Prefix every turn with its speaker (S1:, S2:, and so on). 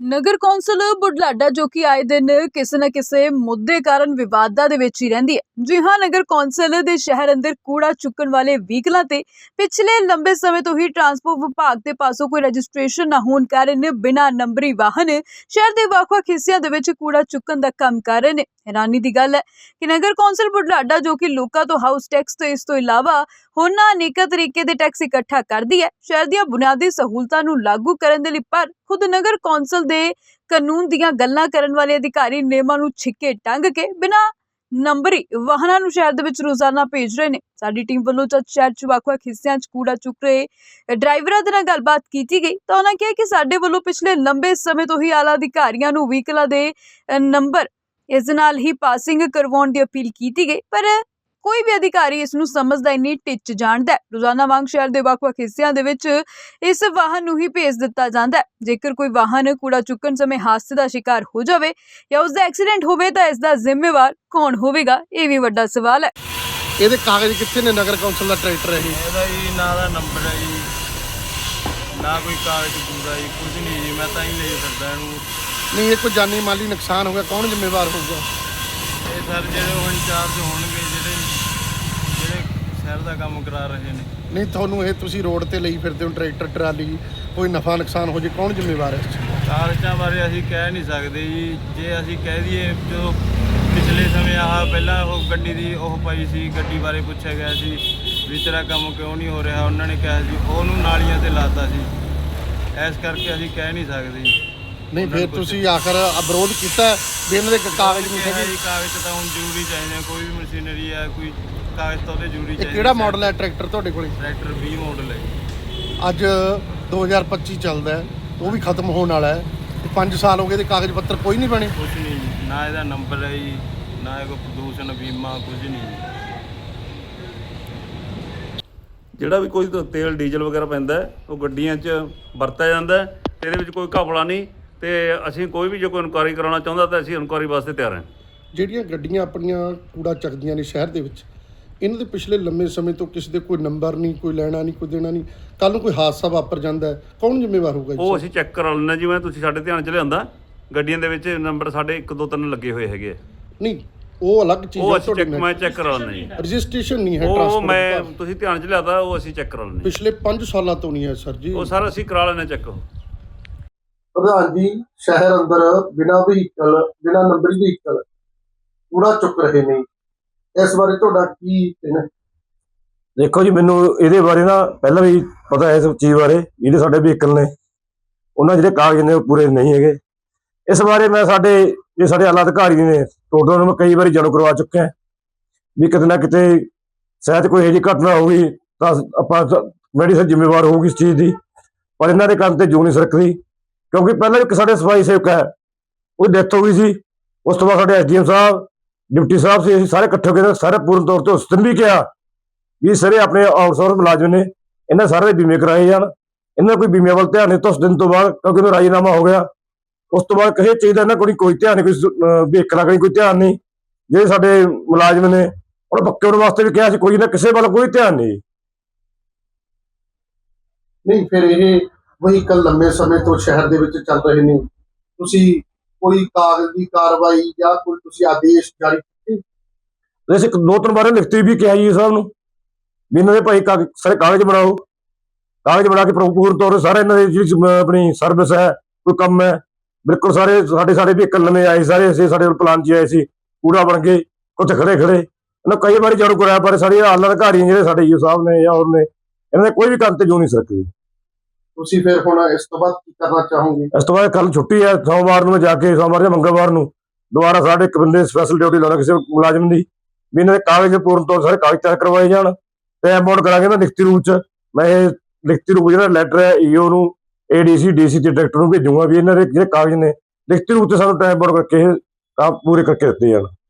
S1: ਨਗਰ council Budhlada ਜੋ ਕਿ ਆਏ ਦਿਨ ਕਿਸੇ ਨਾ ਕਿਸੇ ਮੁੱਦੇ ਕਾਰਨ ਵਿਵਾਦਾਂ ਦੇ ਵਿੱਚ ਹੀ ਰਹਿੰਦੀ ਹੈ। ਜੀ ਹਾਂ, ਨਗਰ ਕੌਂਸਲ ਦੇ ਸ਼ਹਿਰ ਅੰਦਰ ਕੂੜਾ ਚੁੱਕਣ ਵਾਲੇ ਵਹੀਕਲਾਂ ਤੇ ਪਿਛਲੇ ਲੰਬੇ ਸਮੇਂ ਤੋਂ ਹੀ ਟਰਾਂਸਪੋਰਟ ਵਿਭਾਗ ਦੇ ਪਾਸੋਂ ਕੋਈ ਰਜਿਸਟ੍ਰੇਸ਼ਨ ਨਾ ਹੋਣ ਕਾਰਨ ਬਿਨਾਂ ਨੰਬਰੀ ਵਾਹਨ ਸ਼ਹਿਰ ਦੇ ਵੱਖ-ਵੱਖ ਹਿੱਸਿਆਂ ਦੇ ਵਿੱਚ ਕੂੜਾ ਚੁੱਕਣ ਦਾ ਕੰਮ ਕਰ ਰਹੇ ਨੇ। हैरानी की गल है कि नगर कौंसल बुढलाडा जो कि लोगों तो हाउस टैक्स तो इस तो इलावा होरना अनेक तरीके दे टैक्स इकट्ठा करती है शहर दी बुनियादी सहूलतां नूं लागू करन दे लई, पर खुद नगर कौंसल दे कानून दीयां गल्लां करन वाले अधिकारी नियमां नूं छिक्के टंग के बिना नंबरी वाहनां नूं शहर दे विच रोजाना भेज रहे ने। साडी टीम वल्लों जद शहर च ਵੱਖ-ਵੱਖ हिस्सिਆਂ च कूड़ा चुक रहे ड्राइवरां दे नाल गलबात कीती गई तां उन्हां कहा कि साडे वल्लों पिछले लंबे समय तो ही आला अधिकारियां नूं व्हीकलां दे नंबर इस नाल ही पासिंग करवाउण दी अपील की गई, पर कोई भी अधिकारी इस नूं समझदा ही नहीं, टिच जाणदा है। रोजाना वांग शहर दे ਵੱਖ-ਵੱਖ हिस्सिਆਂ दे विच इस वाहन नूं ही भेज दिता जांदा है। जेकर कोई वाहन कूड़ा चुकण समय हादसे दा शिकार हो जावे या उसदा एक्सीडेंट होवे तां इसदा जिम्मेवार कौन होवेगा, ये भी वड्डा सवाल है।
S2: ਇਹਦੇ ਕਾਗਜ਼ ਕਿੱਥੇ ਨੇ ਨਗਰ ਕੌਂਸਲ ਦਾ ਟਰੈਕਟਰ ਹੈ
S3: ਇਹਦਾ ਜੀ ਨਾ ਦਾ ਨੰਬਰ ਹੈ ਜੀ, ਨਾ ਕੋਈ ਕਾਗਜ਼ ਪੂਰਾ ਜੀ, ਕੁਝ ਨਹੀਂ ਜੀ। ਮੈਂ ਤਾਂ ਹੀ ਲੈ ਸਕਦਾ ਇਹਨੂੰ।
S2: ਨਹੀਂ, ਇਹ ਕੋਈ ਜਾਨੀ ਮਾਲੀ ਨੁਕਸਾਨ ਹੋ ਗਿਆ, ਕੌਣ ਜ਼ਿੰਮੇਵਾਰ ਹੋਊਗਾ?
S3: ਇਹ ਸਰ ਜਿਹੜੇ ਉਹ ਇੰਚਾਰਜ ਹੋਣਗੇ, ਜਿਹੜੇ ਸ਼ਹਿਰ ਦਾ ਕੰਮ ਕਰਾ ਰਹੇ ਨੇ।
S2: ਨਹੀਂ, ਤੁਹਾਨੂੰ ਇਹ ਤੁਸੀਂ ਰੋਡ ਤੇ ਲਈ ਫਿਰਦੇ ਹੋ ਟਰੈਕਟਰ ਟਰਾਲੀ, ਕੋਈ ਨਫਾ ਨੁਕਸਾਨ ਹੋ ਜੇ ਕੌਣ ਜ਼ਿੰਮੇਵਾਰ ਹੈ?
S3: ਕਾਗਜ਼ਾਂ ਬਾਰੇ ਅਸੀਂ ਕਹਿ ਨਹੀਂ ਸਕਦੇ ਜੀ। ਜੇ ਅਸੀਂ ਕਹਿ ਦਈਏ ਜੋ ਪਿਛਲੇ ਸਮੇਂ ਪਹਿਲਾਂ ਉਹ ਗੱਡੀ ਦੀ ਉਹ ਪਈ ਸੀ, ਗੱਡੀ ਬਾਰੇ ਪੁੱਛਿਆ ਗਿਆ ਸੀ ਵੀ ਤੇਰਾ ਕੰਮ ਕਿਉਂ ਨਹੀਂ ਹੋ ਰਿਹਾ, ਉਹਨਾਂ ਨੇ ਕਿਹਾ ਸੀ ਉਹਨੂੰ ਨਾਲੀਆਂ ਤੇ ਲਾਤਾ ਸੀ। ਇਸ ਕਰਕੇ ਅਸੀਂ ਕਹਿ ਨਹੀਂ ਸਕਦੇ ਜੀ।
S2: ਨਹੀਂ, ਫਿਰ ਤੁਸੀਂ ਆਖਰ ਵਿਰੋਧ ਕੀਤਾ ਵੀ ਇਹਨਾਂ ਦੇ ਕਾਗਜ਼ ਨਹੀਂ ਹੈਗੇ?
S3: ਕਾਗਜ਼ ਤਾਂ ਹੁਣ ਜ਼ਰੂਰੀ ਚਾਹੀਦੇ, ਕੋਈ ਵੀ ਮਸ਼ੀਨਰੀ ਹੈ, ਕੋਈ ਕਾਗਜ਼ ਤਾਂ ਉਹਦੇ ਜ਼ਰੂਰੀ ਚਾਹੀਦੇ।
S2: ਕਿਹੜਾ ਮਾਡਲ ਹੈ ਟਰੈਕਟਰ ਤੁਹਾਡੇ ਕੋਲੇ?
S3: ਟਰੈਕਟਰ 20 ਮਾਡਲ ਹੈ।
S2: ਅੱਜ 2025 ਚੱਲਦਾ ਹੈ, ਉਹ ਵੀ ਖਤਮ ਹੋਣ ਵਾਲਾ ਹੈ। 5 ਸਾਲ ਹੋ ਗਏ ਤੇ ਕਾਗਜ਼ ਪੱਤਰ ਕੋਈ ਨਹੀਂ ਬਣੇ?
S3: ਕੁਝ ਨਹੀਂ ਜੀ, ਨਾ ਇਹਦਾ ਨੰਬਰ ਹੈ ਜੀ, ਨਾ ਇਹ ਕੋਈ ਪ੍ਰਦੂਸ਼ਣ ਬੀਮਾ, ਕੁਝ ਨਹੀਂ ਜੀ।
S4: ਜਿਹੜਾ ਵੀ ਕੋਈ ਤੇਲ ਡੀਜ਼ਲ ਵਗੈਰਾ ਪੈਂਦਾ ਉਹ ਗੱਡੀਆਂ 'ਚ ਵਰਤਿਆ ਜਾਂਦਾ ਤੇ ਇਹਦੇ ਵਿੱਚ ਕੋਈ ਘਪਲਾ ਨਹੀਂ। ਤੇ ਅਸੀਂ ਕੋਈ ਵੀ ਜੇ ਕੋਈ ਇਨਕੁਆਇਰੀ ਕਰਾਉਣਾ ਚਾਹੁੰਦਾ ਤਾਂ ਅਸੀਂ ਇਨਕੁਆਇਰੀ ਵਾਸਤੇ ਤਿਆਰ ਹਾਂ।
S2: ਜਿਹੜੀਆਂ ਗੱਡੀਆਂ ਆਪਣੀਆਂ ਕੂੜਾ ਚੱਕਦੀਆਂ ਨੇ ਸ਼ਹਿਰ ਦੇ ਵਿੱਚ, ਇਹਨਾਂ ਦੇ ਪਿਛਲੇ ਲੰਮੇ ਸਮੇਂ ਤੋਂ ਕਿਸੇ ਦੇ ਕੋਈ ਨੰਬਰ ਨਹੀਂ, ਕੋਈ ਲੈਣਾ ਨਹੀਂ, ਕੋਈ ਦੇਣਾ ਨਹੀਂ। ਕੱਲ੍ਹ ਨੂੰ ਕੋਈ ਹਾਦਸਾ ਵਾਪਰ ਜਾਂਦਾ ਹੈ, ਕੌਣ ਜ਼ਿੰਮੇਵਾਰ ਹੋਊਗਾ?
S4: ਉਹ ਅਸੀਂ ਚੈੱਕ ਕਰਾ ਲੈਂਦੇ, ਜਿਵੇਂ ਤੁਸੀਂ ਸਾਡੇ ਧਿਆਨ 'ਚ ਲਿਆਂਦਾ ਗੱਡੀਆਂ ਦੇ ਵਿੱਚ ਨੰਬਰ ਸਾਡੇ 1 2 3 ਲੱਗੇ ਹੋਏ ਹੈਗੇ।
S2: ਨਹੀਂ, ਉਹ ਅਲੱਗ ਚੀਜ਼
S4: ਉਹ
S2: ਹੈ।
S4: ਅਸੀਂ ਚੈੱਕ ਮੈਂ ਚੈੱਕ ਕਰਾ ਲੈਂਦਾ ਜੀ।
S2: ਰਜਿਸਟ੍ਰੇਸ਼ਨ ਨਹੀਂ ਹੈ
S4: ਉਹ
S2: ਟਰਾਂਸਪੋਰਟ
S4: ਮੈਂ ਤੁਸੀਂ ਧਿਆਨ 'ਚ ਲਿਆਦਾ, ਉਹ ਅਸੀਂ ਚੈੱਕ ਕਰਾ ਲੈਂਦੇ।
S2: ਪਿਛਲੇ 5 ਸਾਲਾਂ ਤੋਂ ਨਹੀਂ ਹੈ ਸਰ ਜੀ।
S4: ਉਹ ਸਾਰਾ ਅਸੀਂ ਕਰਾ ਲੈਂਦੇ ਚੈੱਕ।
S2: ਪ੍ਰਧਾਨ ਜੀ, ਸ਼ਹਿਰ ਅੰਦਰ ਬਿਨਾਂ ਵਹੀਕਲ, ਬਿਨਾਂ ਨੰਬਰੀ ਵਹੀਕਲ ਕੂੜਾ ਚੁੱਕ ਰਹੇ ਨੇ, ਇਸ ਬਾਰੇ ਤੁਹਾਡਾ ਕੀ ਕਹਿਣਾ?
S5: ਦੇਖੋ ਜੀ, ਮੈਨੂੰ ਇਹਦੇ ਬਾਰੇ ਨਾ ਪਹਿਲਾਂ ਵੀ ਪਤਾ ਹੈ ਇਸ ਚੀਜ਼ ਬਾਰੇ। ਜਿਹੜੇ ਸਾਡੇ ਵਹੀਕਲ ਨੇ ਉਹਨਾਂ ਜਿਹੜੇ ਕਾਗਜ਼ ਨੇ ਉਹ ਪੂਰੇ ਨਹੀਂ ਹੈਗੇ। ਇਸ ਬਾਰੇ ਮੈਂ ਸਾਡੇ ਆਲਾ ਅਧਿਕਾਰੀ ਨੇ ਟੋਟਲ ਨੂੰ ਕਈ ਵਾਰੀ ਜਾਣੂ ਕਰਵਾ ਚੁੱਕਿਆ ਵੀ ਕਿਤੇ ਨਾ ਕਿਤੇ ਸ਼ਾਇਦ ਕੋਈ ਇਹੋ ਜਿਹੀ ਘਟਨਾ ਹੋਊਗੀ ਤਾਂ ਆਪਾਂ ਮੈਡੀਸਨ ਜ਼ਿੰਮੇਵਾਰ ਹੋਊਗੀ ਇਸ ਚੀਜ਼ ਦੀ, ਪਰ ਇਹਨਾਂ ਦੇ ਕੰਮ ਤੇ ਜੂ ਨਹੀਂ ਸਰਕਦੀ। ਕਿਉਂਕਿ ਪਹਿਲਾਂ ਇੱਕ ਸਾਡੇ ਸਫਾਈ ਸੇਵਕ ਹੈ, ਉਹਦੀ ਡੈਥ ਹੋ ਗਈ ਸੀ। ਉਸ ਤੋਂ ਬਾਅਦ ਸਾਡੇ SDM ਸਾਹਿਬ, ਡਿਪਟੀ ਸਾਹਿਬ ਸੀ, ਅਸੀਂ ਸਾਰੇ ਇਕੱਠੇ ਹੋ ਕੇ ਸਾਰੇ ਪੂਰਨ ਤੌਰ ਤੇ ਉਸ ਦਿਨ ਵੀ ਕਿਹਾ ਵੀ ਸਾਰੇ ਆਪਣੇ ਆਊਟਸੋਰਸ ਮੁਲਾਜ਼ਮ ਨੇ, ਇਹਨਾਂ ਸਾਰੇ ਦੇ ਬੀਮੇ ਕਰਾਏ ਜਾਣ। ਇਹਨਾਂ ਕੋਈ ਬੀਮੇ ਵੱਲ ਧਿਆਨ ਨਹੀਂ। ਤਾਂ ਉਸ ਦਿਨ ਤੋਂ ਬਾਅਦ ਕਿਉਂਕਿ ਉਹਦਾ ਰਾਜੀਨਾਮਾ ਹੋ ਗਿਆ, ਉਸ ਤੋਂ ਬਾਅਦ ਕਿਸੇ ਚੀਜ਼ ਦਾ ਇਹਨਾਂ ਕੋਲ ਕੋਈ ਧਿਆਨ ਨਹੀਂ, ਕੋਈ ਵਹੀਕਲਾਂ ਕੋਲ ਕੋਈ ਧਿਆਨ ਨਹੀਂ। ਜਿਹੜੇ ਸਾਡੇ ਮੁਲਾਜ਼ਮ ਨੇ ਉਹਨਾਂ ਪੱਕੇ ਹੋਣ ਵਾਸਤੇ ਵੀ ਕਿਹਾ ਸੀ, ਕੋਈ ਨਾ ਕਿਸੇ ਵੱਲ ਕੋਈ ਧਿਆਨ ਨਹੀਂ।
S2: ਨਹੀਂ, ਫਿਰ ਇਹ ਵਹੀਕਲ ਲੰਮੇ ਸਮੇਂ ਤੋਂ ਸ਼ਹਿਰ ਦੇ ਵਿੱਚ ਚੱਲ ਰਹੇ ਨੇ, ਤੁਸੀਂ ਕੋਈ ਕਾਗਜ਼ ਦੀ ਕਾਰਵਾਈ ਜਾਂ ਕੋਈ ਤੁਸੀਂ ਆਦੇਸ਼ ਜਾਰੀ ਕੀਤੇ?
S5: ਅਸੀਂ 2-3 ਵਾਰ ਲਿਖਤੀ ਵੀ ਕਿਹਾ ਜੀ ਸਾਹਿਬ ਨੂੰ ਵੀ ਇਹਨਾਂ ਦੇ ਭਾਈ ਸਾਰੇ ਕਾਗਜ਼ ਬਣਾਓ, ਕਾਗਜ਼ ਬਣਾ ਕੇ ਪੂਰਨ ਤੌਰ ਤੇ ਸਾਰੇ ਇਹਨਾਂ ਦੀ ਜਿਹੜੀ ਆਪਣੀ ਸਰਵਿਸ ਹੈ, ਕੋਈ ਕੰਮ ਹੈ, ਬਿਲਕੁਲ ਸਾਰੇ ਸਾਡੇ ਵਹੀਕਲ ਨਵੇਂ ਆਏ, ਸਾਰੇ ਅਸੀਂ ਸਾਡੇ ਪਲਾਨ 'ਚ ਆਏ ਸੀ, ਕੂੜਾ ਬਣ ਕੇ ਉੱਥੇ ਖੜੇ ਇਹਨਾਂ ਕਈ ਵਾਰੀ ਜਾਣੂ ਕਰਾਇਆ, ਪਰ ਸਾਡੇ ਆਲਾ ਅਧਿਕਾਰੀ ਜਿਹੜੇ ਸਾਡੇ ਯੂ ਸਾਹਿਬ ਨੇ ਜਾਂ ਹੋਰ ਨੇ, ਇਹਨਾਂ ਦੇ ਕੋਈ ਵੀ ਕੰਮ ਤੇ ਜੋ ਨਹੀਂ ਸਰਕਦੀ।
S2: ਤੁਸੀਂ ਫਿਰ ਹੁਣ ਇਸ ਤੋਂ ਬਾਅਦ ਕੀ ਕਰਨਾ ਚਾਹੋਗੇ?
S5: ਇਸ ਤੋਂ ਬਾਅਦ ਕੱਲ ਛੁੱਟੀ ਹੈ, ਸੋਮਵਾਰ ਨੂੰ ਮੈਂ ਜਾ ਕੇ ਸੋਮਵਾਰ ਜਾਂ ਮੰਗਲਵਾਰ ਨੂੰ ਦੁਬਾਰਾ ਸਾਡੇ ਇੱਕ ਬੰਦੇ ਸਪੈਸ਼ਲ ਡਿਊਟੀ ਲਾਉਣਾ ਕਿਸੇ ਮੁਲਾਜ਼ਮ ਦੀ, ਵੀ ਇਹਨਾਂ ਦੇ ਕਾਗਜ਼ ਪੂਰਨ ਤੌਰ ਸਾਰੇ ਕਾਗਜ਼ ਤਿਆਰ ਕਰਵਾਏ ਜਾਣ ਤੇ ਅਮਾਊਂਟ ਕਰਾਂਗੇ ਨਾ ਲਿਖਤੀ ਰੂਪ 'ਚ। ਮੈਂ ਇਹ ਲਿਖਤੀ ਰੂਪ ਜਿਹੜਾ ਲੈਟਰ ਹੈ EO ਨੂੰ, ADC DC ਤੇ ਡਾਇਰੈਕਟਰ ਨੂੰ ਭੇਜੂਗਾ ਵੀ ਇਹਨਾਂ ਦੇ ਜਿਹੜੇ ਕਾਗਜ਼ ਨੇ ਲਿਖਤੀ ਰੂਪ 'ਚ ਸਾਨੂੰ ਟਾਈਮ ਬੋਰਡ ਕਰਕੇ ਕੰਮ ਪੂਰੇ ਕਰਕੇ ਦਿੱਤੇ ਜਾਣ।